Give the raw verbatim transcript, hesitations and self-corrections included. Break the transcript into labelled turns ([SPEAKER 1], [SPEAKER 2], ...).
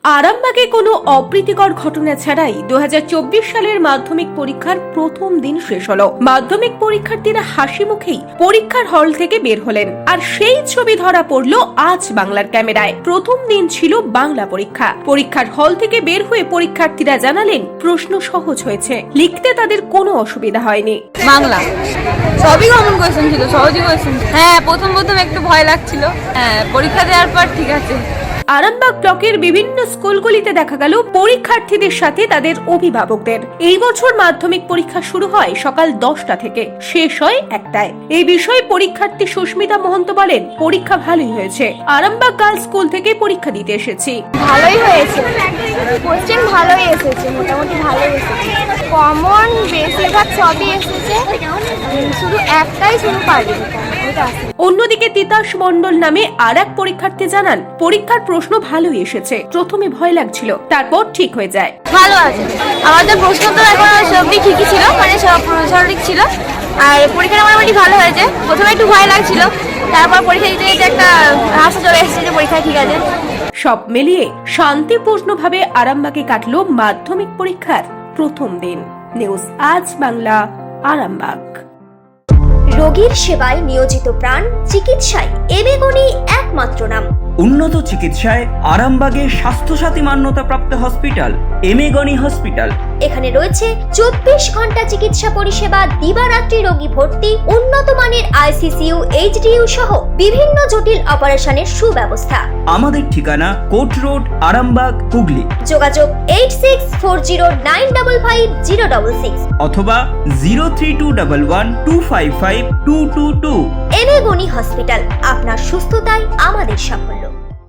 [SPEAKER 1] আরামবাগে কোনো অপ্রীতিকর ঘটনা ছাড়াই দু হাজার চব্বিশ সালের মাধ্যমিক পরীক্ষার প্রথম দিন শেষ হলো। মাধ্যমিক পরীক্ষার্থীরা হাসি মুখেই পরীক্ষার হল থেকে বের হলেন, আর সেই ছবি ধরা পড়লো আজ বাংলার ক্যামেরায়। প্রথম দিন ছিল বাংলা পরীক্ষা। পরীক্ষার হল থেকে বের হয়ে পরীক্ষার্থীরা জানালেন প্রশ্ন সহজ হয়েছে, লিখতে তাদের কোনো অসুবিধা হয়নি।
[SPEAKER 2] বাংলা সবই কমন কোয়েশ্চেন ছিল, সহজই কোয়েশ্চেন। হ্যাঁ, প্রথম প্রথম একটু ভয় লাগছিল। হ্যাঁ, পরীক্ষা দেওয়ার পর ঠিক আছে।
[SPEAKER 1] আরামবাগ ব্লকের বিভিন্ন স্কুলগুলিতে দেখা গেল পরীক্ষার্থীদের সাথে তাদের অভিভাবকদের। এই বছর মাধ্যমিক পরীক্ষা শুরু হয় সকাল দশটা থেকে, শেষ হয় একটায়। এই বিষয়ে পরীক্ষার্থী সুস্মিতা মহন্ত বলেন, পরীক্ষা ভালোই হয়েছে। আরামবাগ গার্লস স্কুল থেকে পরীক্ষা দিতে এসেছি।
[SPEAKER 3] ভালোই হয়েছে, কোশ্চেন ভালোই এসেছে, মোটামুটি ভালোই এসেছে। কমন বেশিরভাগ সবই এসেছে, শুধু একটাই শুরু পারিনি।
[SPEAKER 1] অন্যদিকে তিতাস মণ্ডল নামে আর এক পরীক্ষার্থী জানান, পরীক্ষার প্রশ্ন ভালোই এসেছে। প্রথমে ভয় লাগছিল, তারপর ঠিক হয়ে যায়।
[SPEAKER 3] ভালো আছে, আমাদের প্রশ্ন তো এখন সবই ঠিকই ছিল, মানে সব সঠিক ছিল। আর পরীক্ষাটা মোটামুটি ভালো হয়েছে। প্রথমে একটু ভয় লাগছিল, তারপর পরীক্ষা দিতে দিতে একটা হাসি চলে এসেছে যে পরীক্ষা ঠিক আছে।
[SPEAKER 1] সব মিলিয়ে শান্তিপূর্ণভাবে আরামবাগে কাটলো মাধ্যমিক পরীক্ষার প্রথম দিন। নিউজ আজ বাংলা, আরামবাগ।
[SPEAKER 4] রোগীর সেবায় নিয়োজিত প্রাণ, চিকিৎসায় এবেগুনি একমাত্র নাম।
[SPEAKER 5] উন্নত চিকিৎসায় আরামবাগে স্বাস্থ্যসাথী মান্যতাপ্রাপ্ত হসপিটাল এমেগনি হসপিটাল।
[SPEAKER 4] এখানে রয়েছে চব্বিশ ঘন্টা চিকিৎসা পরিষেবা, দিবারাত্রি রোগী ভর্তি, উন্নত মানের আইসিসিইউ, এইচডিইউ সহ বিভিন্ন জটিল অপারেশনের সুব্যবস্থা।
[SPEAKER 5] আমাদের ঠিকানা কোট রোড, আরামবাগ, হুগলি।
[SPEAKER 4] যোগাযোগ eight six four zero nine double five zero double six
[SPEAKER 5] অথবা zero three two double one two five five two two two.
[SPEAKER 4] এবেগুনি হসপিটাল, আপনার সুস্থতাই আমাদের সাফল্য।